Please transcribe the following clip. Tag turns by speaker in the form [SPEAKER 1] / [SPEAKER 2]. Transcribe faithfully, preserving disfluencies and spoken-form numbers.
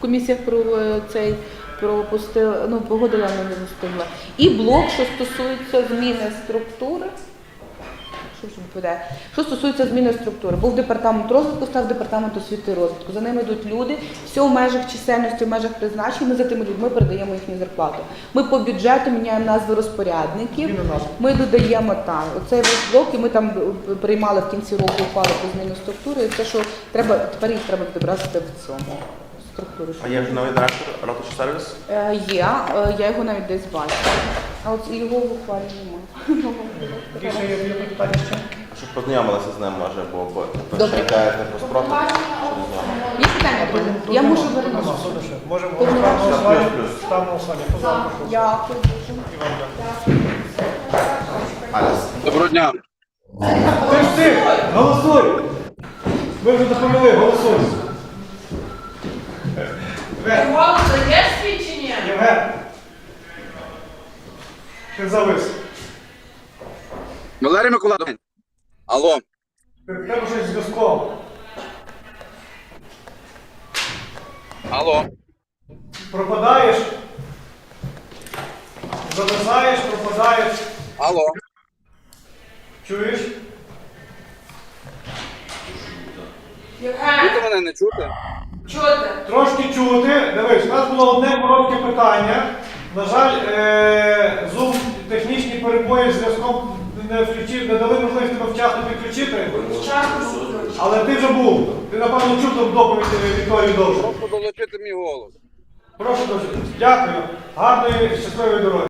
[SPEAKER 1] комісіях про е, цей пропустила, ну погодила, але не застигла. І блок, що стосується зміни структури. Що ж відповідає? Що стосується зміни структури, був департамент розвитку, став департамент освіти і розвитку. За ними йдуть люди, все в межах чисельності, в межах призначень, ми за тими людьми передаємо їхню зарплату. Ми по бюджету міняємо назви розпорядників, ми додаємо там оцей весь блок, і ми там приймали в кінці року ухвалу про зміну структури, і це, що треба, тепер їх треба відобразити в цьому структурі.
[SPEAKER 2] А є вже новий директор ратуші сервіс?
[SPEAKER 1] Е, є, е, я його навіть десь бачу, а от його в ухвалі немає.
[SPEAKER 3] Більше є питання ще?
[SPEAKER 2] Щоб познайомилися з ним, може, бо бо ви
[SPEAKER 1] Добре.
[SPEAKER 2] ж чекаєте про спротив, що не з вами.
[SPEAKER 1] Є питання, друзі? Я можу вернутися.
[SPEAKER 3] Можемо
[SPEAKER 1] Плюс,
[SPEAKER 3] голосувати.
[SPEAKER 2] плюс.
[SPEAKER 3] Ставимо голосування. Хто за, прошу.
[SPEAKER 1] Дякую.
[SPEAKER 3] Іван, дякую.
[SPEAKER 2] Аля,
[SPEAKER 4] Доброго дня.
[SPEAKER 3] Ти ж ти! Голосуй! Ви вже допомогли, голосуй! Євген!
[SPEAKER 5] Голос даєш свій чи ні?
[SPEAKER 3] Євген! Ти завис.
[SPEAKER 4] Валерій Миколаївич. Алло.
[SPEAKER 3] Ти в тебе щось з зв'язком.
[SPEAKER 4] Алло.
[SPEAKER 3] Пропадаєш. Зависаєш, пропадаєш.
[SPEAKER 4] Алло.
[SPEAKER 3] Чуєш?
[SPEAKER 5] Євген,
[SPEAKER 4] Чути мене не чути?
[SPEAKER 5] чути?
[SPEAKER 3] Трошки чути. Дивись, у нас було одне коротке питання. На жаль, е- Zoom технічні перебої з зв'язком не включив, не дали можливість тебе вчасно підключити.
[SPEAKER 5] Чарку.
[SPEAKER 3] Але ти вже був. Ти, напевно, чув там доповідь Вікторії Довжу.
[SPEAKER 4] Прошу долучити мій голос.
[SPEAKER 3] Прошу дуже. Дякую. Гарної, щасливої дороги.